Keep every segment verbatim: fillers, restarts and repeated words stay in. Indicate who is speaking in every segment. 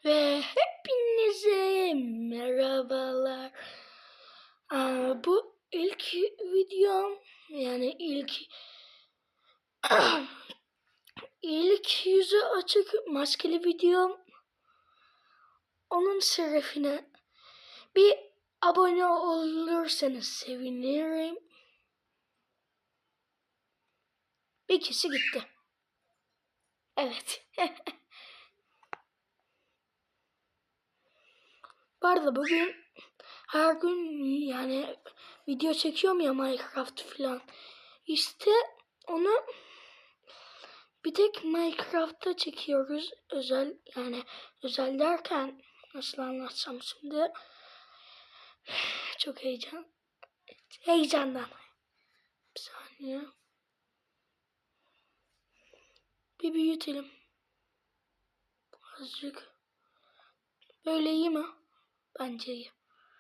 Speaker 1: Ve hepinize merhabalar. Aa, bu ilk videom, yani ilk ilk yüzü açık maskeli videom. Onun şerefine bir abone olursanız sevinirim. Bir kişi gitti. Evet. Bu arada bugün her gün yani video çekiyorum ya, Minecraft falan. İşte onu bir tek Minecraft'ta çekiyoruz. Özel, yani özel derken nasıl anlatsam şimdi. Çok heyecan. Heyecandan. Bir saniye. Bir büyütelim. Azıcık. Böyle iyi mi? Bence iyi.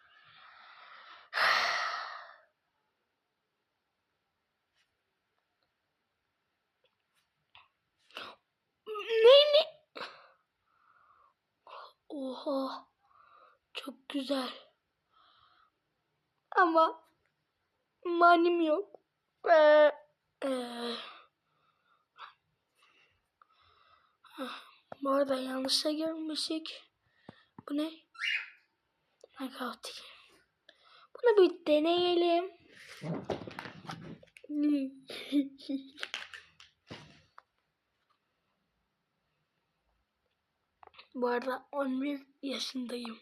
Speaker 1: Ne ne? Oha. Çok güzel. Ama manim yok. Ee, ee. Bu arada yanlışa girmişik. Bu ne? Minecraft. Bunu bir deneyelim. Bu arada on bir yaşındayım.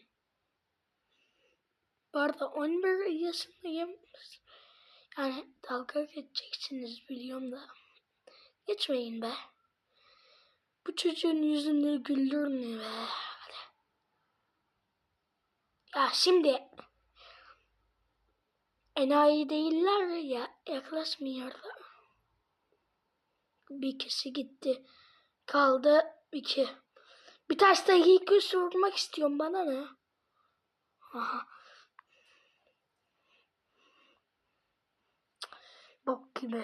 Speaker 1: Bu arada on bir yaşındayım. Yani dalga geçeceksiniz biliyorum da. Geçmeyin be. Bu çocuğun yüzünü güldürün be. Hadi. Ya şimdi enayi değiller ya, yaklaşmıyor da. Bir kişi gitti. Kaldı iki. Bir taş dakika sormak istiyorum, bana ne? Aha. Bok gibi.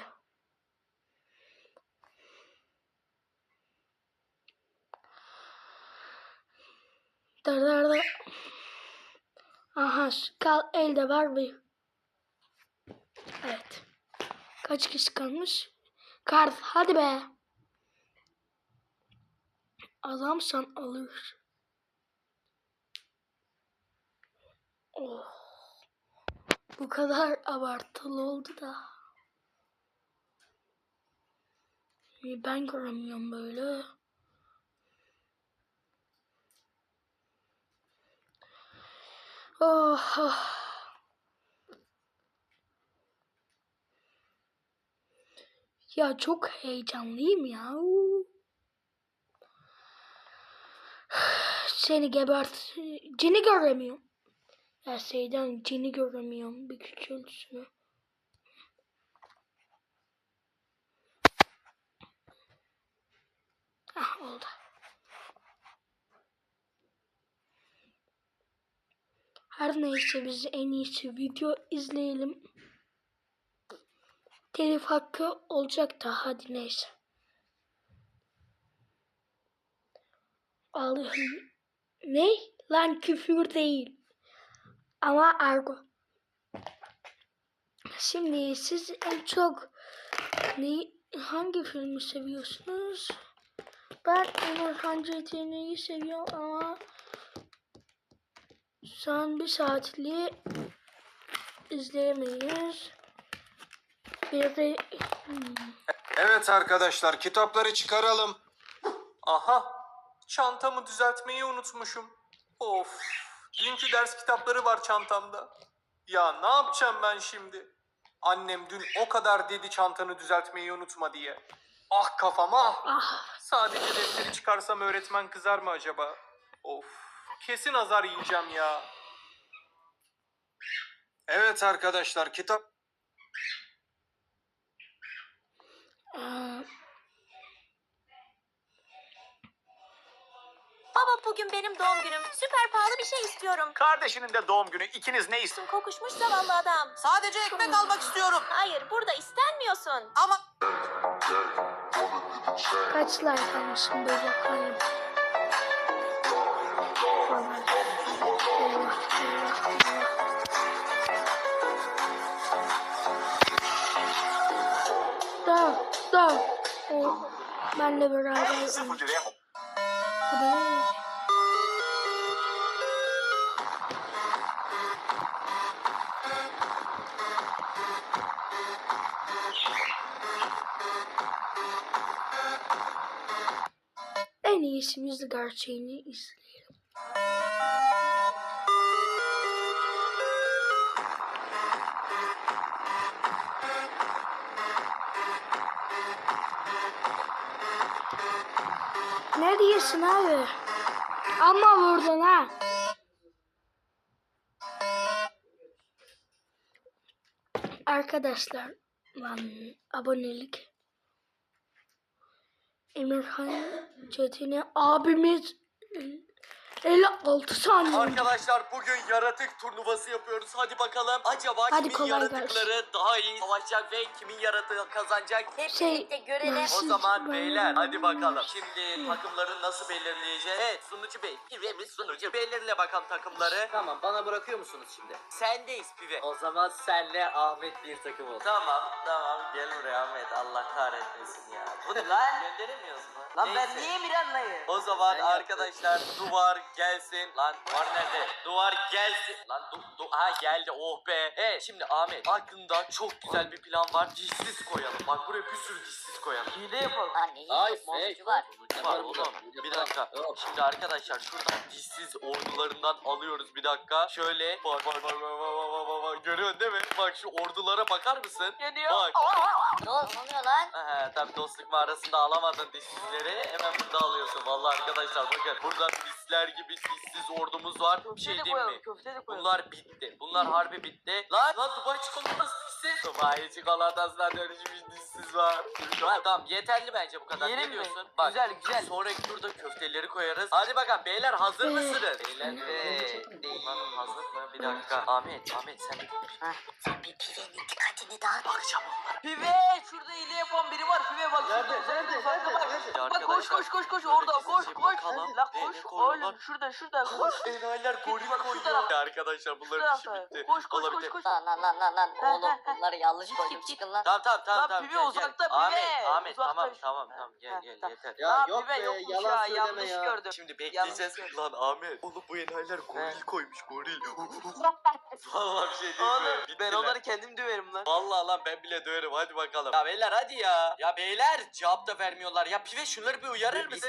Speaker 1: Dar dar dar. Aha, kal elde var bir. Evet. Kaç kişi kalmış? Kart, hadi be. Adamsan alır. Oh. Bu kadar abartılı oldu da. Ben göremiyorum böyle. Oh, oh. Ya çok heyecanlıyım ya. Seni gebert. Cini göremiyorum. Ya şeyden cini göremiyorum. Bir küçülsün. Ah, oldu. Her neyse, biz en iyisi video izleyelim. Telif hakkı olacak da, hadi neyse. Allah'ım. Ne? Lan küfür değil. Ama argo. Şimdi siz en çok ne, hangi filmi seviyorsunuz? Ben Emirhan Cetini'yi seviyorum ama son bir saatliği izleyemeyiz. Bir de... Hmm.
Speaker 2: Evet arkadaşlar, kitapları çıkaralım. Aha, çantamı düzeltmeyi unutmuşum. Of, dünkü ders kitapları var çantamda. Ya ne yapacağım ben şimdi? Annem dün o kadar dedi çantanı düzeltmeyi unutma diye. Ah kafam ah.
Speaker 1: Ah.
Speaker 2: Sadece defteri çıkarsam öğretmen kızar mı acaba? Of, kesin azar yiyeceğim ya. Evet arkadaşlar, kitap...
Speaker 1: Aa.
Speaker 3: Baba, bugün benim doğum günüm. Süper pahalı bir şey istiyorum.
Speaker 4: Kardeşinin de doğum günü. İkiniz ne istiyorsunuz?
Speaker 3: Kokuşmuş zavallı adam.
Speaker 5: Sadece ekmek almak istiyorum.
Speaker 3: Hayır, burada istenmiyorsun.
Speaker 5: Ama
Speaker 1: Kaç like almışım böyle koyayım. Da da o benle beraber
Speaker 4: Sıfır
Speaker 1: oynuyor.
Speaker 4: liraya
Speaker 1: Bu da neymiş? En iyisi biz de gerçeğini izleyelim. Ne diyorsun abi? Ama vurdun ha. Arkadaşlar lan abonelik Emirhan Çetin'e abimiz elli altı saniye.
Speaker 6: Arkadaşlar bugün yaratık turnuvası yapıyoruz. Hadi bakalım acaba
Speaker 1: Hadi
Speaker 6: kimin
Speaker 1: kolay
Speaker 6: yaratıkları daha iyi savaşacak ve kimin yaratığı kazanacak?
Speaker 3: Hep
Speaker 1: Şey,
Speaker 3: birlikte görelim.
Speaker 1: ben-
Speaker 6: O
Speaker 1: Siz-
Speaker 6: zaman
Speaker 1: ben-
Speaker 6: beyler hadi bakalım. Şimdi takımları nasıl belirleyeceğiz? Evet sunucu bey. Pive'miz sunucu. Belirle bakalım takımları.
Speaker 5: Tamam bana bırakıyor musunuz şimdi?
Speaker 6: Sendeyiz Pive.
Speaker 5: O zaman senle Ahmet bir takım olsun.
Speaker 6: Tamam tamam gel buraya Ahmet. Allah kahretmesin ya. Bu ne lan? Gönderemiyoruz mu?
Speaker 5: Lan ben
Speaker 6: Neyse.
Speaker 5: niye Miran'layım?
Speaker 6: O zaman
Speaker 5: Ben yaptım.
Speaker 6: arkadaşlar duvar gelsin. Lan duvar nerede? Duvar gelsin. Lan du, du ha geldi oh be. Evet şimdi Ahmet aklında çok güzel bir plan var. Dişsiz koyalım. Bak buraya bir sürü dişsiz koyalım.
Speaker 5: Hile yapalım.
Speaker 3: Aa, neyin
Speaker 5: Ay,
Speaker 3: monster
Speaker 5: fake.
Speaker 3: var?
Speaker 6: Var oğlum. Bir dakika. Şimdi arkadaşlar şuradan dişsiz ordularından alıyoruz bir dakika. Şöyle bak bak bak bak bak bak bak bak. Görüyorsun değil mi? Bak şu ordulara bakar mısın?
Speaker 5: Geliyor.
Speaker 6: Bak.
Speaker 3: Ne oluyor lan?
Speaker 6: Aha, tabii dostluk mağarasında alamadın dişsizleri hemen burada alıyorsun. Vallahi arkadaşlar bakın burada misler gibi dişsiz ordumuz var. Bir şey diyeyim mi?
Speaker 5: Köfte de
Speaker 6: Bunlar bitti. Bunlar harbi bitti. Lan lan Dubai çikolatası dişsiz. Dubai çikolatasına dönüşmüş dişsiz var. Tamam, tamam yeterli bence bu kadar.
Speaker 5: Yiyelim
Speaker 6: Ne
Speaker 5: mi?
Speaker 6: diyorsun? Bak,
Speaker 5: Güzel, güzel.
Speaker 6: Sonraki turda köfteleri koyarız. Hadi bakalım beyler hazır
Speaker 1: Ee,
Speaker 6: mısınız? Beyler ee, değil. Hazır mı? Bir dakika. Ahmet, Ahmet sen bir konuş.
Speaker 3: Sen bir pivenin dikkatini dağıt.
Speaker 6: Bakacağım onlara.
Speaker 5: Pive şurada hile yapan biri var. Pive bak.
Speaker 4: Nerede,
Speaker 5: şurada,
Speaker 4: nerede,
Speaker 5: uzakta
Speaker 4: nerede,
Speaker 5: bak.
Speaker 4: nerede?
Speaker 6: Ya
Speaker 5: Bak koş
Speaker 6: arkadaşlar,
Speaker 5: koş koş koş
Speaker 6: şöyle
Speaker 5: orada koş
Speaker 6: gizlice
Speaker 5: koş.
Speaker 6: bakalım.
Speaker 5: La
Speaker 6: Ne-
Speaker 5: koş
Speaker 6: ne koyuyorlar?
Speaker 5: oğlum şurada şurada koş.
Speaker 6: Enayiler goril
Speaker 5: bak, şu
Speaker 6: koyuyor.
Speaker 5: tarafta.
Speaker 6: Ya arkadaşlar bunların
Speaker 5: Şu
Speaker 6: işi
Speaker 5: tarafta.
Speaker 6: bitti.
Speaker 5: Koş koş
Speaker 6: Olabilir.
Speaker 5: koş koş.
Speaker 3: Lan lan lan lan lan.
Speaker 5: Ha,
Speaker 3: Oğlum
Speaker 5: ha, ha.
Speaker 3: bunları yanlış
Speaker 5: Git,
Speaker 3: koydum.
Speaker 5: git, git.
Speaker 3: Çıkın lan.
Speaker 6: Tamam tamam tamam
Speaker 5: Lan
Speaker 6: tamam.
Speaker 5: pibe
Speaker 6: gel, gel.
Speaker 5: uzakta, pibe.
Speaker 6: Ahmet Ahmet
Speaker 5: Uzakta
Speaker 6: tamam
Speaker 5: işte.
Speaker 6: tamam tamam gel
Speaker 5: Ha,
Speaker 6: gel
Speaker 5: tamam.
Speaker 6: yeter.
Speaker 4: Ya
Speaker 5: Aa,
Speaker 4: yok
Speaker 5: pibe
Speaker 4: be,
Speaker 5: yokmuş
Speaker 4: yalan
Speaker 5: ya,
Speaker 4: söyleme
Speaker 5: yanlış
Speaker 4: ya.
Speaker 5: gördüm.
Speaker 6: Şimdi bekleyeceğiz.
Speaker 5: Yanlış
Speaker 6: Lan Ahmet. Oğlum bu enayiler goril
Speaker 5: He.
Speaker 6: koymuş goril. Vallahi bir şey değil mi?
Speaker 5: Oğlum ben
Speaker 6: Bittiler.
Speaker 5: onları kendim döverim lan.
Speaker 6: Vallahi lan ben bile döverim hadi bakalım. Ya beyler hadi ya. Ya beyler cevap da vermiyorlar. Ya pive şunları bir uyarır mısın?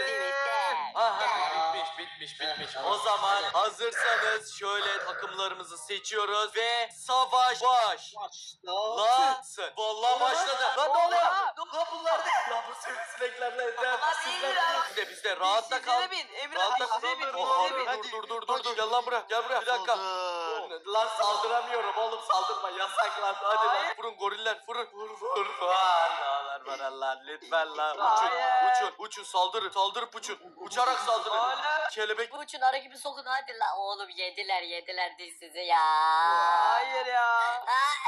Speaker 6: Aha bitmiş bitmiş bitmiş. O zaman hazırsanız şöyle takımlarımızı seçiyoruz ve savaş baş. Lansın. Vallahi başladı. Lan ne oluyor? Lan bunlar ne? Ya bu sivrisineklerle ne? Bizde bizde rahatta kal.
Speaker 5: Dişsize bin. Emir
Speaker 6: Rahatta
Speaker 5: abi
Speaker 6: kal.
Speaker 5: dişsize bin.
Speaker 6: Oha,
Speaker 5: Dişsize bin.
Speaker 6: Dur dur dur dur dur. Gel lan buraya. Gel buraya. Bir dakika. Lan saldıramıyorum oğlum saldırma yasak lan. Hadi lan
Speaker 5: Hayır.
Speaker 6: vurun goriller vurun. Vur vur. Allah'lar bana lan lütfen lan. Uçun
Speaker 5: Hayır.
Speaker 6: uçun uçun saldırın saldırıp uçun. Uçarak saldırın.
Speaker 5: Hala.
Speaker 6: Kelebek.
Speaker 3: Bu uçun ara gibi sokun hadi la. Oğlum yediler yediler dişsizi ya.
Speaker 5: Hayır ya.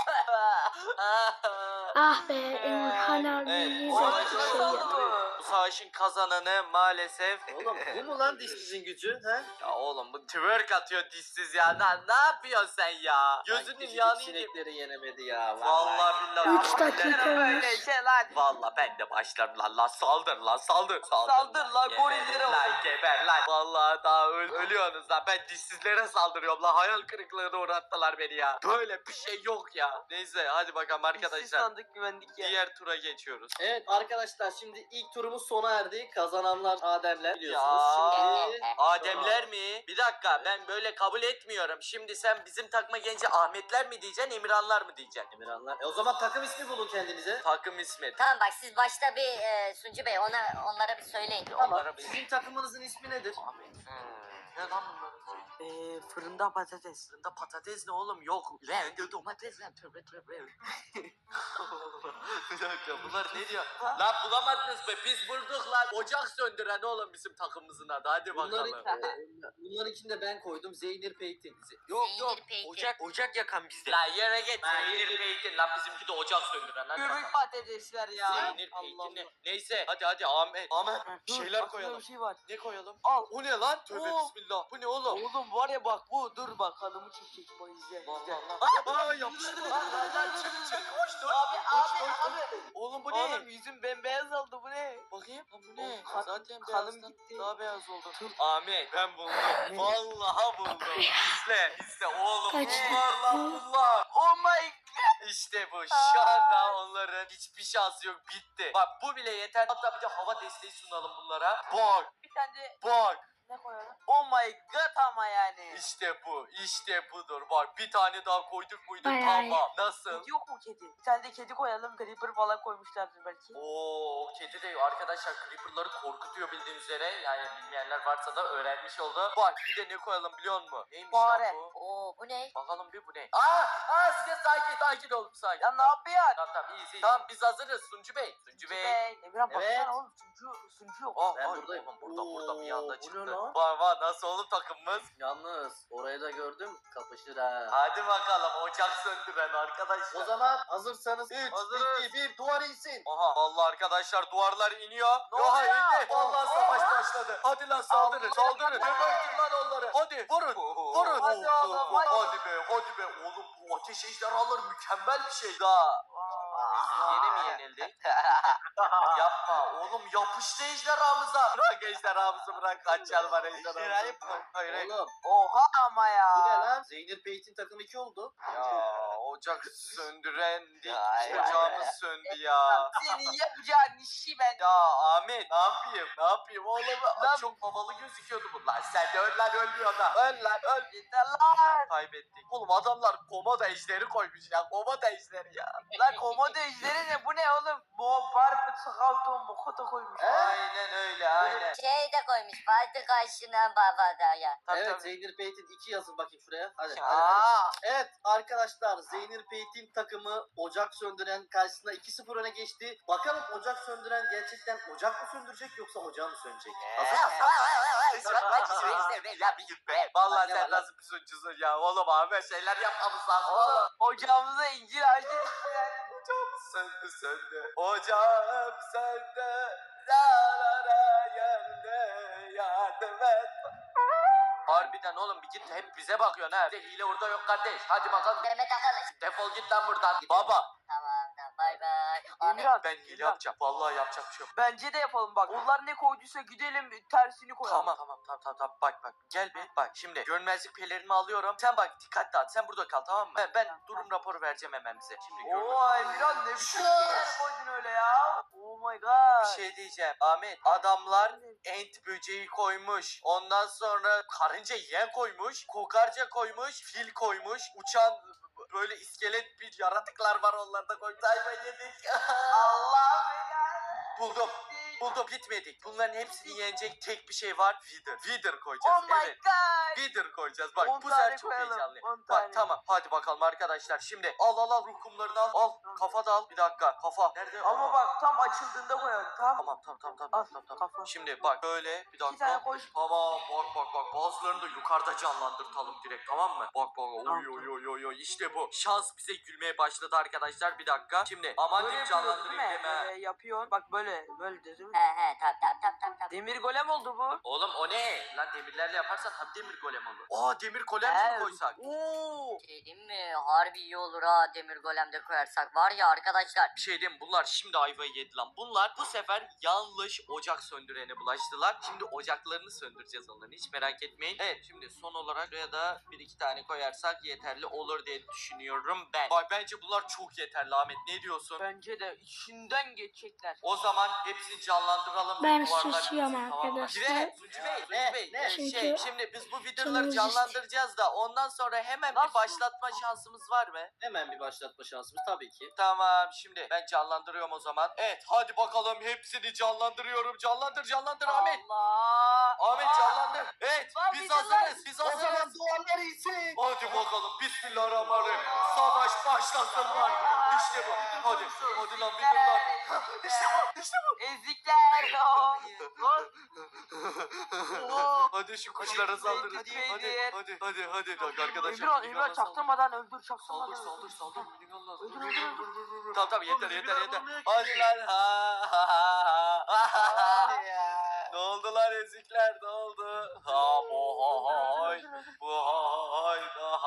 Speaker 1: Ah be Emirhan abi.
Speaker 6: Evet,
Speaker 1: niye
Speaker 6: o
Speaker 1: böyle bir
Speaker 6: savaşı
Speaker 1: şey
Speaker 5: oldu
Speaker 1: yaptın?
Speaker 5: mu?
Speaker 6: Bu savaşın kazananı maalesef.
Speaker 4: Oğlum bu mu lan dişsizin gücü? He?
Speaker 6: Ya oğlum bu twerk atıyor dişsiz ya. Lan ne yapıyorsun sen ya? Gözünün
Speaker 4: Küçücük
Speaker 6: yanı yiyeyim.
Speaker 4: sinekleri yenemedi ya.
Speaker 6: Vallahi billahi.
Speaker 1: Üç dakika
Speaker 5: Böyle
Speaker 1: olmuş.
Speaker 5: şey lan.
Speaker 6: Vallahi ben de başlarım lan lan saldır lan saldır. Saldır,
Speaker 5: Saldır lan,
Speaker 6: Geber
Speaker 5: gorillere
Speaker 6: Lan
Speaker 5: bak.
Speaker 6: geber lan. Vallahi daha öl ölüyorsunuz lan. Ben dişsizlere saldırıyorum lan. Hayal kırıklığına uğrattılar beni ya. Böyle bir şey yok ya. Neyse hadi bakalım
Speaker 5: Dişsiz
Speaker 6: arkadaşlar.
Speaker 5: sandık güvendik ya.
Speaker 6: Diğer tura geçiyoruz.
Speaker 4: Evet arkadaşlar şimdi ilk turumuz sona erdi. Kazananlar Ademler biliyorsunuz.
Speaker 6: Ya.
Speaker 4: Şimdi
Speaker 6: Ademler mi? Bir dakika ben böyle kabul etmiyorum. Şimdi sen bizim takma genci Ahmetler mi diyeceksin Emirhanlar mı diyeceksin?
Speaker 4: Emirhanlar. E o zaman takım ismi bulun kendinize.
Speaker 6: Takım ismi.
Speaker 3: Tamam bak siz başta bir e, Suncu Bey ona onlara bir söyleyin.
Speaker 4: Tamam.
Speaker 6: Onlara bir-
Speaker 4: Sizin takımınızın ismi nedir?
Speaker 6: Ahmet. Ne lan bunların?
Speaker 5: Eee fırında patates.
Speaker 6: Fırında patates ne oğlum? Yok. Rende domates lan. Tövbe tövbe. Bir dakika bunlar ne diyor? Lan bulamadınız be biz bulduk lan. Ocak söndüren oğlum bizim takımımızın adı. Hadi
Speaker 4: Bunların,
Speaker 6: bakalım.
Speaker 4: e, bunların içinde ben koydum. Zeynir Peytin. Ze-
Speaker 6: Yok
Speaker 3: Zeynir
Speaker 6: yok.
Speaker 3: Peykin.
Speaker 6: Ocak ocak yakan bizde. Lan yere git. Zeynir Peytin lan bizimki de ocak söndüren lan.
Speaker 5: Göbek patatesler ya.
Speaker 6: Zeynir
Speaker 5: Allah
Speaker 6: Peytin ne?
Speaker 5: Allah.
Speaker 6: Neyse hadi hadi Ahmet. Ahmet bir
Speaker 5: Dur,
Speaker 6: şeyler
Speaker 5: aklımda
Speaker 6: koyalım.
Speaker 5: Bir şey var.
Speaker 6: Ne koyalım?
Speaker 5: Al.
Speaker 6: O ne lan? Tövbe
Speaker 5: Oo.
Speaker 6: bismillah. Bu ne oğlum?
Speaker 5: Oğlum Oğlum var ya bak bu dur bak kanımı çekecek bak izle.
Speaker 6: Lan
Speaker 5: izle.
Speaker 6: lan lan. Aa yapıştı. Lan lan lan çık çık koş dur.
Speaker 5: Abi
Speaker 6: Koş,
Speaker 5: abi
Speaker 6: koş,
Speaker 5: abi.
Speaker 6: Oğlum bu ne?
Speaker 5: Oğlum yüzüm bembeyaz oldu bu ne?
Speaker 6: Bakayım. Lan bu ne?
Speaker 5: Oğlum, kan-
Speaker 6: Zaten
Speaker 5: kanım
Speaker 6: beyazdan
Speaker 5: gitti.
Speaker 6: daha beyaz oldu. Ahmet ben buldum. Vallahi buldum. İzle izle oğlum.
Speaker 1: Kaçtı.
Speaker 6: Bunlar lan bunlar.
Speaker 5: Oh my
Speaker 6: İşte bu. Şu anda onların hiçbir şansı yok. Bitti. Bak bu bile yeter. Hatta bir de hava desteği sunalım bunlara. Bak
Speaker 5: bir tane de
Speaker 6: bak.
Speaker 5: ne koyalım? Oh my god ama yani.
Speaker 6: İşte bu. İşte budur. Bak bir tane daha koyduk muydu?
Speaker 1: Bayağı
Speaker 6: Tamam. Nasıl?
Speaker 5: Kedi yok mu kedi? Bir tane de kedi koyalım. Creeper falan koymuşlardır belki.
Speaker 6: Oo, kedi de arkadaşlar creeper'ları korkutuyor bildiğiniz üzere. Yani bilmeyenler varsa da öğrenmiş oldu. Bak bir de ne koyalım biliyor musun? Neymiş
Speaker 5: Fare.
Speaker 6: lan bu?
Speaker 3: Oo bu ne?
Speaker 6: Bakalım bir bu ne? Aa, aa size sakin sakin olun sakin.
Speaker 5: Ya ne yapıyorsun?
Speaker 6: Tamam tamam iyi iyi. Tamam biz hazırız Suncu Bey. Suncu Bey.
Speaker 5: Bey. Emirhan
Speaker 4: Evet.
Speaker 5: baksana oğlum sunucu, sunucu yok.
Speaker 6: Oh,
Speaker 4: Ben
Speaker 6: ay,
Speaker 4: buradayım.
Speaker 6: oğlum, burada burada bir
Speaker 4: Oo,
Speaker 6: anda
Speaker 4: bu ne
Speaker 6: çıktı.
Speaker 4: lan?
Speaker 6: Var var nasıl oğlum takımımız?
Speaker 4: Yalnız orayı da gördüm kapışır ha.
Speaker 6: Hadi bakalım ocak söndü ben arkadaşlar.
Speaker 4: O zaman hazırsanız üç,
Speaker 6: Hazırız.
Speaker 4: iki, bir duvar insin.
Speaker 6: Aha vallahi arkadaşlar duvarlar iniyor.
Speaker 5: Ne
Speaker 6: Oha
Speaker 5: oluyor?
Speaker 6: indi. Vallahi savaş
Speaker 5: Oha.
Speaker 6: başladı. Hadi lan saldırın saldırın. Gebertin lan onları. Hadi vurun. Vurun.
Speaker 5: Hadi oğlum, hadi.
Speaker 6: Hadi be hadi be. Oğlum bu ateş ejderhaları mükemmel bir şey daha. Biz yeni mi yenildik? Yapma oğlum yapıştı ejderhamıza. Bırak ejderhamızı bırak. Kaç yıl var ejderhamızı. Hayır hayır.
Speaker 4: Oğlum
Speaker 5: Oha ama ya.
Speaker 4: bu ne lan? Zeynep Beyt'in takım iki oldu.
Speaker 6: Ya ocak söndürendik.
Speaker 5: Ya, ya,
Speaker 6: Ocağımız
Speaker 5: ya.
Speaker 6: söndü ya.
Speaker 5: Senin yapacağın işi ben.
Speaker 6: Ya Ahmet ne yapayım ne yapayım oğlum lan çok havalı gözüküyordu bunlar. Sen de öl lan ölmüyor da. Öl lan öl.
Speaker 5: Yeter lan.
Speaker 6: Kaybettik. Oğlum adamlar komodo ejderi koymuş ya. Komodo ejderi ya.
Speaker 5: Lan komodo ejderi ne? Bu ne oğlum? Mo barbe sakalto mokoto koymuş.
Speaker 6: Aynen öyle aynen.
Speaker 3: Şey de koymuş. Vardı karşına babada ya.
Speaker 6: Tabii,
Speaker 4: Evet
Speaker 6: tabii.
Speaker 4: Zeynep Beyt'in iki yazın bakayım şuraya. Hadi, hadi, hadi.
Speaker 5: Aa.
Speaker 4: Evet arkadaşlar Zeynep Beyt'in takımı ocak söndüren karşısında iki sıfır öne geçti. Bakalım ocak söndüren gerçekten ocak mı söndürecek yoksa ocağı mı sönecek? Hazır mısın?
Speaker 6: Vallahi
Speaker 4: Ne
Speaker 6: sen
Speaker 4: var lan?
Speaker 6: nasıl bir suçlusun ya. Oğlum abi şeyler yapmamız lazım.
Speaker 5: Oğlum ocağımıza incir ağacı diktiler.
Speaker 6: Ocağım söndü söndü. Ocağım söndü. La la la yandı yardım et. Harbiden oğlum bir git hep bize bakıyorsun ha. Bir de hile orada yok kardeş. Hadi bakalım.
Speaker 3: Deme takalım.
Speaker 6: Defol git lan buradan. Baba.
Speaker 3: Tamam tamam bay bay. Ahmet.
Speaker 5: Emirhan.
Speaker 6: Ben hile
Speaker 5: Emirhan.
Speaker 6: yapacağım. Vallahi yapacak bir şey yok.
Speaker 5: Bence de yapalım bak. Onlar ne koyduysa gidelim tersini koyalım.
Speaker 6: Tamam tamam tamam tamam tamam. Bak bak gel bir bak şimdi görünmezlik pelerini alıyorum. Sen bak dikkatli at sen burada kal tamam mı? Ben, ben durum raporu vereceğim hemen bize. Şimdi görünmez.
Speaker 5: Oo Emirhan ne biçim şeyler koydun öyle ya. Oh my god.
Speaker 6: Bir şey diyeceğim Ahmet adamlar ent böceği koymuş. Ondan sonra karınca yiyen koymuş. Kokarca koymuş. Fil koymuş. Uçan böyle iskelet bir yaratıklar var onlarda koymuş. Ayva yedik.
Speaker 5: Allah belanı.
Speaker 6: Buldum. Buldum bitmedik. Bunların hepsini yenecek tek bir şey var. Wither. Wither koyacağız.
Speaker 5: Oh my
Speaker 6: evet.
Speaker 5: god.
Speaker 6: Wither koyacağız. Bak
Speaker 5: on
Speaker 6: bu
Speaker 5: tane
Speaker 6: sefer çok
Speaker 5: koyalım,
Speaker 6: heyecanlı.
Speaker 5: on
Speaker 6: Bak
Speaker 5: tane.
Speaker 6: tamam hadi bakalım arkadaşlar. Şimdi al al al ruh kumlarını al. Al kafa da al. Bir dakika kafa. Nerede?
Speaker 5: Ama
Speaker 6: Aa.
Speaker 5: bak tam açıldığında koyalım. Tamam.
Speaker 6: Tamam tamam tamam tamam
Speaker 5: Al,
Speaker 6: tamam tamam.
Speaker 5: kafa.
Speaker 6: Şimdi bak böyle bir
Speaker 5: İki tane
Speaker 6: dakika.
Speaker 5: koy.
Speaker 6: Tamam bak bak bak bazılarını da yukarıda canlandırtalım direkt tamam mı? Bak bak oy oy oy oy oy işte bu. Şans bize gülmeye başladı arkadaşlar bir dakika. Şimdi aman
Speaker 5: Böyle
Speaker 6: diyeyim
Speaker 5: yapıyorsun değil
Speaker 6: canlandırayım
Speaker 5: mi?
Speaker 6: deme.
Speaker 5: Böyle yapıyorsun. Bak böyle. Böyle de değil mi?
Speaker 3: He he tamam tamam tamam tamam. tamam.
Speaker 5: Demir golem oldu bu.
Speaker 6: Oğlum o ne? Lan demirlerle yaparsan tabii demir golem olur. Aa demir golem mi
Speaker 5: Evet.
Speaker 6: koysak?
Speaker 5: Oo.
Speaker 3: Şey diyeyim mi? Harbi iyi olur ha demir golemde koyarsak. Var ya arkadaşlar.
Speaker 6: Bir şey diyeyim mi? Bunlar şimdi ayvayı yedi lan. Bunlar bu sefer yanlış ocak söndürene bulaştılar. Şimdi ocaklarını söndüreceğiz onların hiç merak etmeyin. Evet şimdi son olarak buraya da bir iki tane koyarsak yeterli olur diye düşünüyorum ben. Bak bence bunlar çok yeterli Ahmet ne diyorsun?
Speaker 5: Bence de içinden geçecekler.
Speaker 6: O zaman hepsini canlandıralım.
Speaker 1: Ben
Speaker 6: Duvarlar
Speaker 1: susuyorum
Speaker 6: bitsin, tamam mı?
Speaker 1: arkadaşlar.
Speaker 6: Cire, Suncu Bey, Suncu
Speaker 4: Ne,
Speaker 6: Bey.
Speaker 4: ne?
Speaker 6: Ee,
Speaker 1: Çünkü
Speaker 6: şey, şimdi biz bu videoları
Speaker 1: canımız
Speaker 6: canlandıracağız da ondan sonra hemen
Speaker 5: Nasıl?
Speaker 6: bir başlatma şansımız var mı?
Speaker 4: Hemen bir başlatma şansımız tabii ki.
Speaker 6: Tamam şimdi ben canlandırıyorum o zaman. Evet hadi bakalım hepsini canlandırıyorum. Canlandır canlandır Ahmet.
Speaker 5: Allah.
Speaker 6: Ahmet
Speaker 5: Aa.
Speaker 6: canlandır. Evet
Speaker 5: Lan
Speaker 6: biz
Speaker 5: biz
Speaker 6: hazırız. Biz
Speaker 4: O zaman
Speaker 6: hazırız.
Speaker 4: duvarlar insin.
Speaker 6: Hadi bakalım bismillahirrahmanirrahim. Savaş başlasın lan. İşte bu. Hadi. Hadi lan videolar. İşte bu. İşte bu.
Speaker 5: Ezikler. Lan. Oo.
Speaker 6: Hadi şu kuşlara
Speaker 5: Hadi,
Speaker 6: saldırın.
Speaker 5: hadi,
Speaker 6: Hadi hadi hadi hadi hadi arkadaşlar.
Speaker 5: Emirhan,
Speaker 6: Minigun'a
Speaker 5: Emirhan
Speaker 6: saldır.
Speaker 5: çaktırmadan öldür, çaktırmadan
Speaker 6: Saldır
Speaker 5: öldür.
Speaker 6: saldır saldır Minigun lazım.
Speaker 5: Öldür, öldür, öldür, öldür.
Speaker 6: Tamam tamam yeter
Speaker 4: Oğlum,
Speaker 6: yeter
Speaker 4: Minigun
Speaker 6: yeter.
Speaker 4: olmuyor ki.
Speaker 6: Hadi lan ha ha ha ha.
Speaker 5: Hadi ya.
Speaker 6: Ne oldu lan ezikler ne oldu? Ha bo ha ha haydi. Bu hayda.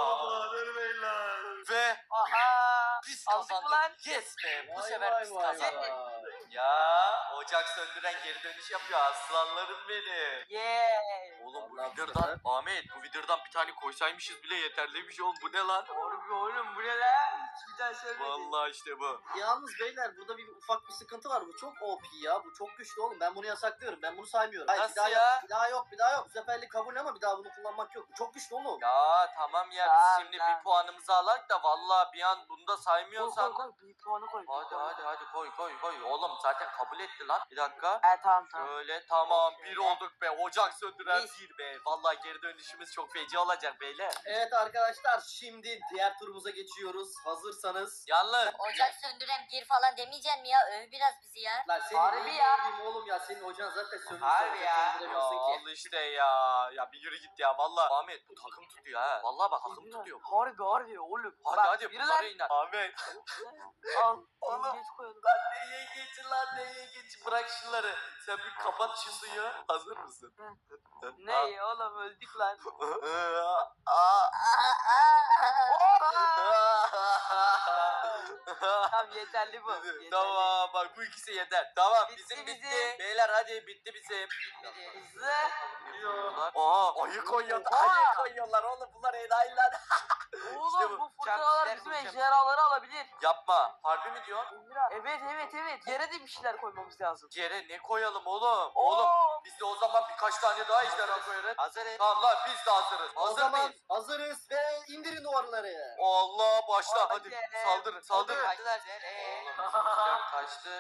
Speaker 6: Ve
Speaker 5: Aha.
Speaker 6: biz
Speaker 5: Aldık mı
Speaker 6: kazandık.
Speaker 5: lan?
Speaker 6: Yes be. Bu
Speaker 4: Vay
Speaker 6: sefer
Speaker 4: vay
Speaker 6: biz
Speaker 4: vay
Speaker 6: kazandık.
Speaker 4: vay.
Speaker 6: Ya ocak söndüren geri dönüş yapıyor aslanlarım benim.
Speaker 5: Yeah.
Speaker 6: Oğlum bu
Speaker 4: Vallahi bu
Speaker 6: vidırdan
Speaker 4: sefer-
Speaker 6: Ahmet bu vidırdan bir tane koysaymışız bile yeterliymiş oğlum bu ne lan?
Speaker 5: Harbi oğlum bu ne lan? Hiç bir daha söylemedim.
Speaker 6: Vallahi işte bu.
Speaker 4: Yalnız beyler burada bir ufak bir sıkıntı var. Bu çok O P ya. Bu çok güçlü oğlum. Ben bunu yasaklıyorum. Ben bunu saymıyorum. Hayır,
Speaker 6: Nasıl
Speaker 4: bir daha
Speaker 6: ya?
Speaker 4: Yok, bir daha yok. Bir daha yok. Bu seferlik kabul ama bir daha bunu kullanmak yok. Bu çok güçlü oğlum.
Speaker 6: Ya tamam ya
Speaker 5: Tamam,
Speaker 6: biz şimdi
Speaker 5: tamam.
Speaker 6: bir puanımızı alak da vallahi bir an bunu da
Speaker 5: Koy koy
Speaker 6: saymıyorsan.
Speaker 5: koy. Bir puanı koy. bir
Speaker 6: Hadi
Speaker 5: puanı.
Speaker 6: hadi hadi koy koy koy. Oğlum zaten kabul etti lan. Bir dakika.
Speaker 5: He tamam tamam.
Speaker 6: Şöyle tamam bir
Speaker 5: Şöyle.
Speaker 6: olduk be. Ocak söndüren
Speaker 5: Biz-
Speaker 6: bir be. Vallahi geri dönüşümüz çok feci olacak beyler.
Speaker 4: Evet arkadaşlar şimdi diğer turumuza geçiyoruz. Hazırsanız.
Speaker 6: Yalnız.
Speaker 3: Ocak söndüren bir falan demeyeceksin mi ya? Öv biraz bizi ya.
Speaker 4: Lan senin
Speaker 5: Harbi
Speaker 4: neyin
Speaker 5: ya.
Speaker 4: bileyim oğlum ya. Senin hocan zaten sönmüş.
Speaker 5: Harbi
Speaker 4: sen
Speaker 5: ya.
Speaker 4: söndüremiyorsun
Speaker 6: Ya
Speaker 4: ki.
Speaker 6: al işte ya. Ya bir yürü git ya. Vallahi Ahmet bu takım tutuyor ha. Vallahi bak takım tutuyor.
Speaker 5: Harbi harbi oğlum.
Speaker 6: Hadi
Speaker 5: Bak,
Speaker 6: hadi
Speaker 5: yürü
Speaker 6: bunlara
Speaker 5: lan.
Speaker 6: iner. Ahmet.
Speaker 5: Al.
Speaker 6: Oğlum.
Speaker 5: Geç koyalım.
Speaker 6: Neye geçin lan neye geçin. Bırak şunları. Sen bir kapat şu suyu. Hazır mısın?
Speaker 5: Ne oğlum öldük lan.
Speaker 6: Aa.
Speaker 5: Tamam yeterli bu. Yeterli.
Speaker 6: Tamam bak bu ikisi yeter. Tamam
Speaker 5: Bitti
Speaker 6: bizim bitti.
Speaker 5: bizim.
Speaker 6: Beyler hadi bitti bizim.
Speaker 5: Hızlı.
Speaker 6: Bunlar- Aa ayı koyuyorlar.
Speaker 5: Oha!
Speaker 6: Ayı koyuyorlar oğlum bunlar enayiler.
Speaker 5: Oğlum
Speaker 6: İşte bu.
Speaker 5: bu fırtınalar bizim ejderhaları alabilir.
Speaker 6: Yapma. Harbi mi diyorsun?
Speaker 5: Evet evet evet. Yere de bir şeyler koymamız lazım.
Speaker 6: Yere ne koyalım oğlum?
Speaker 5: Oo.
Speaker 6: Oğlum biz de o zaman birkaç tane daha ejderha koyarız. Hazırız. Tamam lan biz de hazırız.
Speaker 4: O
Speaker 6: Hazır
Speaker 4: zaman
Speaker 6: mıyız?
Speaker 4: hazırız ve indirin duvarları.
Speaker 6: Allah başla
Speaker 5: Hadi.
Speaker 6: hadi. Saldırın saldırın.
Speaker 5: Hadi.
Speaker 6: Oğlum bizimkiler kaçtı.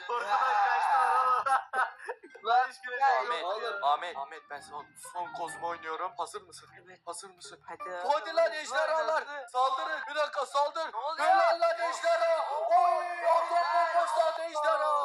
Speaker 5: Lan
Speaker 6: Ahmet,
Speaker 4: Oğlum.
Speaker 6: Ahmet, Ahmet ben son son kozma oynuyorum. Hazır mısın?
Speaker 5: Evet.
Speaker 6: Hazır mısın?
Speaker 5: Hadi.
Speaker 6: Hadi lan ejderhalar.
Speaker 5: Hızlı.
Speaker 6: Saldırın. Bir dakika saldır.
Speaker 5: Ne oluyor?
Speaker 6: Helal lan ejderha. Oy atom bombası lan ejderha.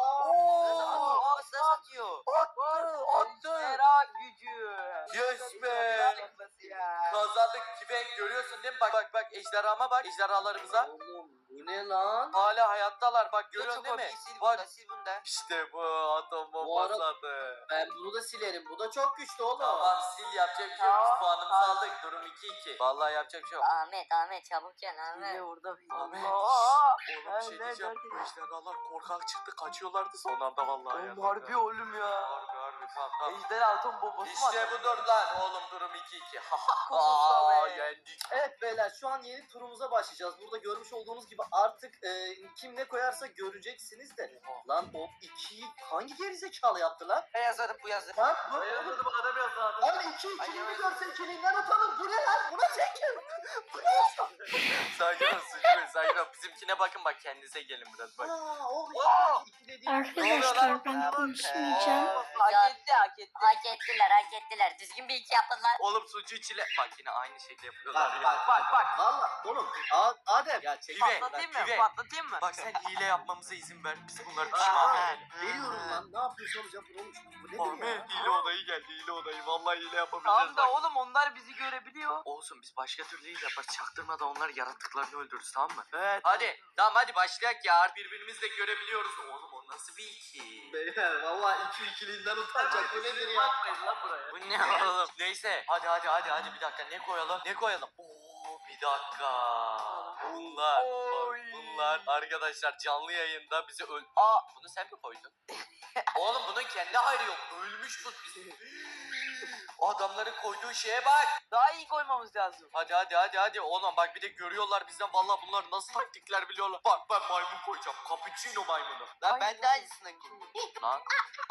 Speaker 6: Oo.
Speaker 5: Nasıl atıyor?
Speaker 6: Attı attı.
Speaker 5: Ejderha gücü.
Speaker 6: Yes be. Kazandık Pive görüyorsun değil mi? Bak bak bak ejderhama bak ejderhalarımıza.
Speaker 4: Oğlum bu ne lan?
Speaker 6: Hala hayattalar bak görüyorsun değil mi? Bak
Speaker 5: Sil bunda.
Speaker 6: işte bu atom bombası
Speaker 4: arada-
Speaker 6: adı.
Speaker 4: Ben bunu da silerim. Bu da çok güçlü oğlum.
Speaker 6: Tamam sil yapacak bir şey yok. Biz
Speaker 5: Tamam,
Speaker 6: puanımızı
Speaker 5: tamam.
Speaker 6: aldık. Durum iki iki. Vallahi yapacak bir şey yok.
Speaker 3: Ahmet Ahmet çabuk gel Ahmet.
Speaker 5: Hile orada.
Speaker 6: Ahmet.
Speaker 5: Aa,
Speaker 6: Oğlum bir şey
Speaker 5: nerede,
Speaker 6: diyeceğim.
Speaker 5: nerede?
Speaker 6: Bu ejderhalar korkak çıktı kaçıyorlardı son anda vallahi. ya.
Speaker 5: Oğlum harbi oğlum ya.
Speaker 6: Harbi harbi tamam tamam.
Speaker 5: Ejder altın bombası mı
Speaker 6: İşte
Speaker 5: atıyor?
Speaker 6: budur lan oğlum durum iki iki.
Speaker 5: Kuzusa
Speaker 6: Aa
Speaker 5: be.
Speaker 6: yendik.
Speaker 4: Evet beyler şu an yeni turumuza başlayacağız. Burada görmüş olduğunuz gibi artık e, kim ne koyarsa göreceksiniz de. Lan o ikiyi hangi gerizekalı yaptı lan?
Speaker 5: Ben yazarım bu yazdı.
Speaker 4: Lan bu
Speaker 5: adam yazdı.
Speaker 4: Lan iki ikiliğini görse ikiliğinden atalım. Bu ne lan? Buna çekin. Bu ne?
Speaker 6: Sakin ol Sucuk sakin ol. Bizimkine bakın bak kendinize gelin biraz bak.
Speaker 4: Aa, o
Speaker 5: Aa!
Speaker 4: iki dediğim.
Speaker 1: Arkadaşlar ben konuşmayacağım.
Speaker 5: Hak etti hak etti.
Speaker 3: Hak ettiler hak ettiler. Düzgün bir iki yaptılar.
Speaker 6: Oğlum sucuğu çile. Bak yine aynı şekli yapıyorlar.
Speaker 4: Bak
Speaker 6: ya.
Speaker 4: bak bak bak. Valla oğlum. A- Adem. Ya çek.
Speaker 6: Pive,
Speaker 5: Patlatayım mı?
Speaker 6: pive.
Speaker 5: Patlatayım mı?
Speaker 6: Bak sen hile yapmamıza izin ver. Biz bunları pişman
Speaker 4: Aa,
Speaker 6: edelim.
Speaker 4: veriyorum lan. Ne yapıyorsun hocam? Oğlum bu nedir ya?
Speaker 6: Ahmet hile odayı geldi hile odayı. Vallahi hile yapabileceğiz
Speaker 5: Tamam da
Speaker 6: bak.
Speaker 5: oğlum onlar bizi görebiliyor.
Speaker 6: Olsun biz başka türlü hile yaparız. Çaktırmadan onlar yarattıklarını öldürürüz tamam mı?
Speaker 5: Evet.
Speaker 6: Hadi tamam hadi başlayak ya. Birbirimizle görebiliyoruz. Oğlum o nasıl bir iki?
Speaker 4: Beyler valla iki ikiliğinden utanacak. Bu nedir ya?
Speaker 6: Bu ne oğlum? Neyse. Hadi hadi hadi hadi bir dakika ne koyalım? Ne koyalım? Oo bir dakika. Bunlar bak, bunlar arkadaşlar canlı yayında bizi öl... Aa bunu sen mi koydun? Oğlum bunun kendi hayrı yok. Ölmüş bu bizi. Adamların koyduğu şeye bak.
Speaker 5: Daha iyi koymamız lazım.
Speaker 6: Hadi hadi hadi hadi oğlum bak bir de görüyorlar bizden vallahi bunlar nasıl taktikler biliyorlar. Bak ben maymun koyacağım. Cappuccino maymunu.
Speaker 5: Lan ben de aynısını
Speaker 6: Lan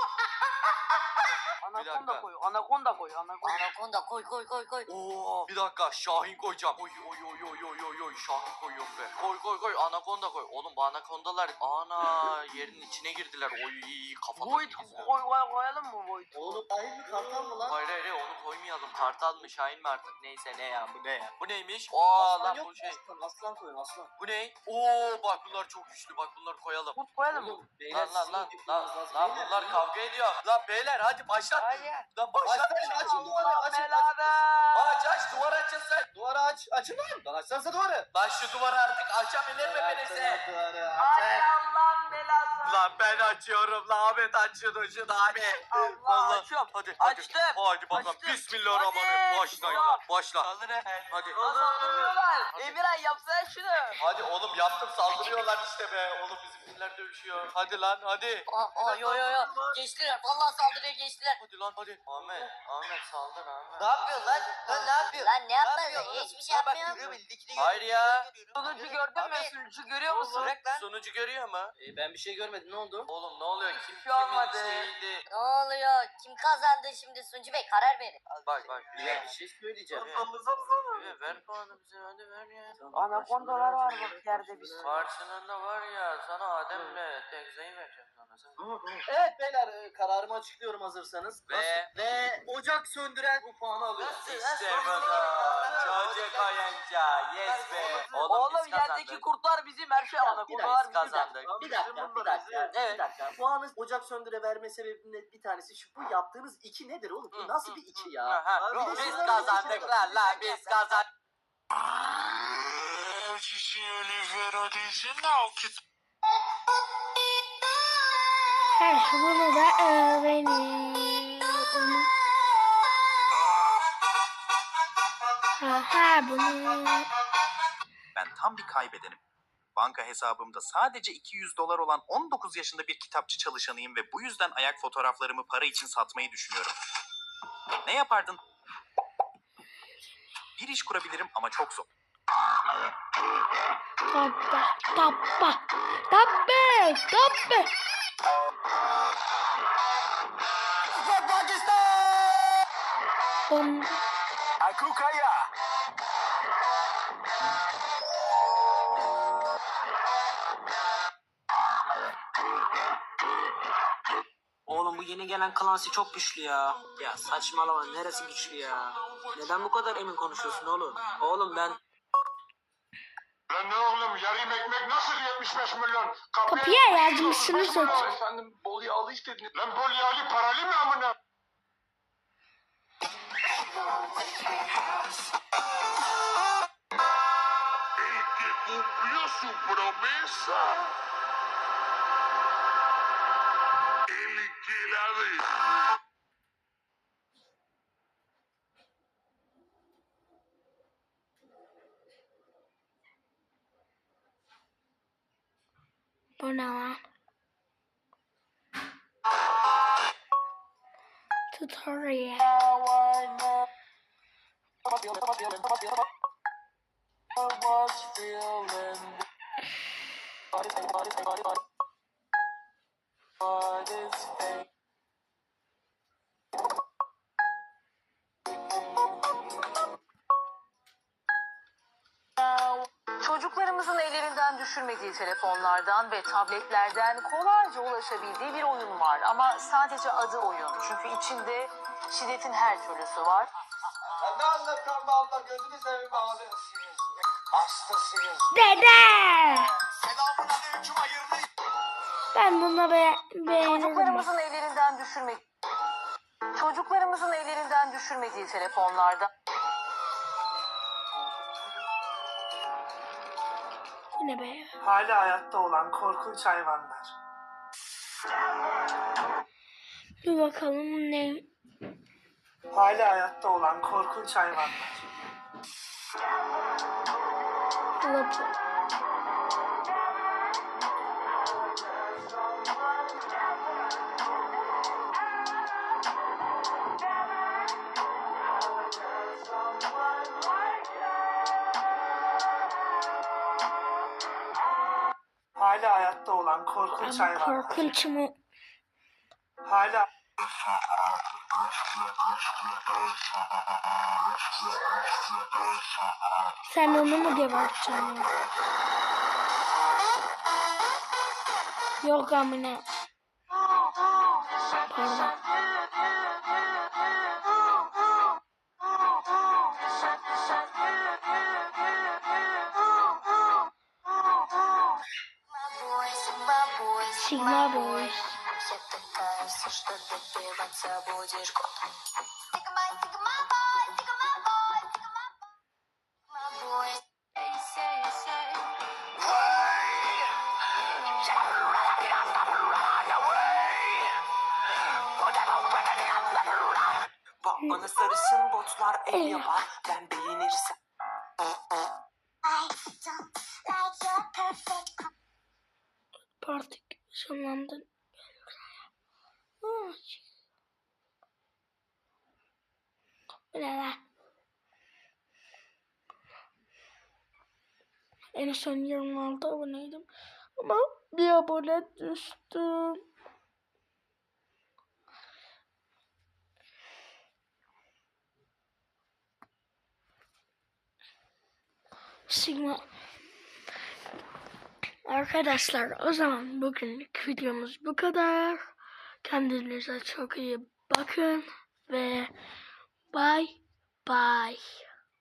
Speaker 5: Anakonda
Speaker 6: dakika.
Speaker 5: koy. Anakonda koy. Anakonda.
Speaker 3: Anakonda koy koy koy koy.
Speaker 6: Oo, bir dakika Şahin koyacağım. Oy oy oy oy oy oy oy Şahin koyuyorum be. Koy koy koy anakonda koy. Oğlum bu anakondalar ana yerin içine girdiler. Oy kafadan.
Speaker 5: Void koy, koy, koyalım mı Void?
Speaker 4: Oğlum ayı mı kartal mı lan?
Speaker 6: Hayır hayır hayır, onu koymayalım. Kartal mı Şahin mi artık neyse ne ya bu ne ya. Bu neymiş? Aa
Speaker 4: Aslan
Speaker 6: lan
Speaker 4: yok
Speaker 6: bu
Speaker 4: mu?
Speaker 6: şey.
Speaker 4: Aslan, aslan koyun aslan.
Speaker 6: Bu ne? Oo bak bunlar çok güçlü bak bunları koyalım.
Speaker 5: Kurt koyalım mı?
Speaker 4: Oğlum beyler
Speaker 6: Lan lan
Speaker 4: sizin
Speaker 6: lan
Speaker 4: yapmanız
Speaker 6: lan
Speaker 4: lazım.
Speaker 6: lan
Speaker 4: Beyler,
Speaker 6: bunlar
Speaker 4: beyler.
Speaker 6: kavga ediyor. Lan beyler hadi başlat.
Speaker 5: Hayır.
Speaker 6: Lan başlat.
Speaker 4: Başlayın açın duvarı
Speaker 5: Allah
Speaker 4: açın. açın.
Speaker 5: belada.
Speaker 6: Aç aç duvar açılsın.
Speaker 4: Duvarı aç. Açın lan. Lan açsanıza duvarı.
Speaker 6: Lan şu duvarı artık açabilir mi
Speaker 4: Açın
Speaker 6: birisi?
Speaker 4: duvarı.
Speaker 5: Ay
Speaker 4: Açın.
Speaker 5: Allah'ım belası.
Speaker 6: Lan ben açıyorum lan Ahmet açın şunu hadi.
Speaker 5: Allah,
Speaker 6: Vallahi-
Speaker 5: açıyorum.
Speaker 6: Hadi hadi.
Speaker 5: Açtım.
Speaker 6: Hadi bakalım.
Speaker 5: Açtım.
Speaker 6: Bismillahirrahmanirrahim.
Speaker 5: Hadi.
Speaker 6: Başlayın lan. Başla. Saldır Hadi.
Speaker 5: Saldırıyorlar. Emirhan yapsana şunu.
Speaker 6: Hadi oğlum yaptım saldırıyorlar işte be. Oğlum bizimkiler dövüşüyor. Hadi lan hadi.
Speaker 3: Aa, aa, yo yo yo. Geçtiler. Vallahi saldırıya geçtiler.
Speaker 6: Hadi lan hadi. Ahmet. Ahmet saldır Ahmet.
Speaker 4: Ne yapıyorsun lan? Lan ne yapıyorsun?
Speaker 3: Lan ne yapmadın? Hiçbir şey yapmıyorum.
Speaker 6: Hayır ya.
Speaker 5: Sunucu gördün mü? Sunucu görüyor musun?
Speaker 6: Sunucu görüyor mu?
Speaker 4: E, ben bir şey görmedim. Ne oldu?
Speaker 6: Oğlum ne oluyor? Kim
Speaker 5: şey olmadı.
Speaker 6: kimin şeyiydi?
Speaker 3: Ne oluyor? Kim kazandı şimdi Suncu Bey? Karar verin.
Speaker 6: Bak bak.
Speaker 4: Bir, bir şey söyleyeceğim.
Speaker 6: Ver, ver puanı bize hadi ver ya.
Speaker 5: Anakondalar var bak yerde bir sürü.
Speaker 6: Karşılığında var ya sana Adem'le Tekza'yı vereceğim sana. Sen...
Speaker 4: Evet beyler e, kararımı açıklıyorum hazırsanız.
Speaker 6: Ve-
Speaker 4: Nasıl? Ve ocak söndüren bu puanı alıyor.
Speaker 6: İşte bunu. Çocuk oyuncağı. Yes be. Oğlum,
Speaker 5: Oğlum
Speaker 6: biz kazandık.
Speaker 5: yerdeki kurtlar bizim her şey
Speaker 4: Bir
Speaker 5: anakondalar
Speaker 6: dakika,
Speaker 5: bizim.
Speaker 6: kazandık.
Speaker 4: Bir dakika, bir dakika,
Speaker 6: Evet.
Speaker 4: bir dakika. Puanı ocak söndüre verme sebebinin bir tanesi şu. Bu yaptığınız iki nedir oğlum? Bu nasıl bir iki ya?
Speaker 6: Aha,
Speaker 4: Bir de
Speaker 6: biz
Speaker 4: şunların
Speaker 6: kazandık
Speaker 4: ikisi
Speaker 6: lan lan biz kazandık.
Speaker 1: Heh, bunu da öğrenin. Aha bunu.
Speaker 7: Ben tam bir kaybedenim. Banka hesabımda sadece iki yüz dolar olan on dokuz yaşında bir kitapçı çalışanıyım ve bu yüzden ayak fotoğraflarımı para için satmayı düşünüyorum. Ne yapardın? Bir iş kurabilirim ama çok zor.
Speaker 1: Tappa, tappa, tappe, tappe. Bom.
Speaker 8: Oğlum bu yeni gelen Clancy çok güçlü ya. Ya saçmalama neresi güçlü ya? Neden bu kadar emin konuşuyorsun oğlum? Oğlum ben...
Speaker 9: Lan ne oğlum yarım ekmek nasıl yetmiş beş milyon?
Speaker 1: Kapıya yazmışsınız zaten.
Speaker 9: Efendim bol yağlı istediniz. Lan bol yağlı paralı mı amına? El que cumplió su promesa. El que la de...
Speaker 1: Bu ne lan? Tutorial.
Speaker 10: Çocuklarımızın ellerinden düşürmediği telefonlardan ve tabletlerden kolayca ulaşabildiği bir oyun var. Ama sadece adı oyun. Çünkü içinde şiddetin her türlüsü var.
Speaker 4: Ya ne anlatıyorsun be abla? Gözünü seveyim abi. Hastasıyız.
Speaker 1: Dede. Ben bunu be beğenirim.
Speaker 10: Çocuklarımızın ellerinden düşürme Çocuklarımızın ellerinden düşürmediği telefonlardan
Speaker 1: Yine be.
Speaker 5: Hala hayatta olan korkunç hayvanlar.
Speaker 1: Bir bakalım ne?
Speaker 5: Hala hayatta olan korkunç hayvanlar.
Speaker 1: Lapı.
Speaker 5: Hala hayatta olan korkunç
Speaker 1: Ama
Speaker 5: hayvanlar.
Speaker 1: korkunç mu?
Speaker 5: Hala
Speaker 1: Sen onu mu geberteceksin ya? Yok amına. Pardon. Sigma Boys.
Speaker 5: Bana sarışın botlar ev
Speaker 1: Evet.
Speaker 5: yapar. Ben beğenirsem.
Speaker 1: Parti sonlandın. Bu ne lan? En son yirmi altı aboneydim. Ama bir abone düştüm. Sigma. Arkadaşlar o zaman bugünlük videomuz bu kadar. Kendinize çok iyi bakın ve bye bye.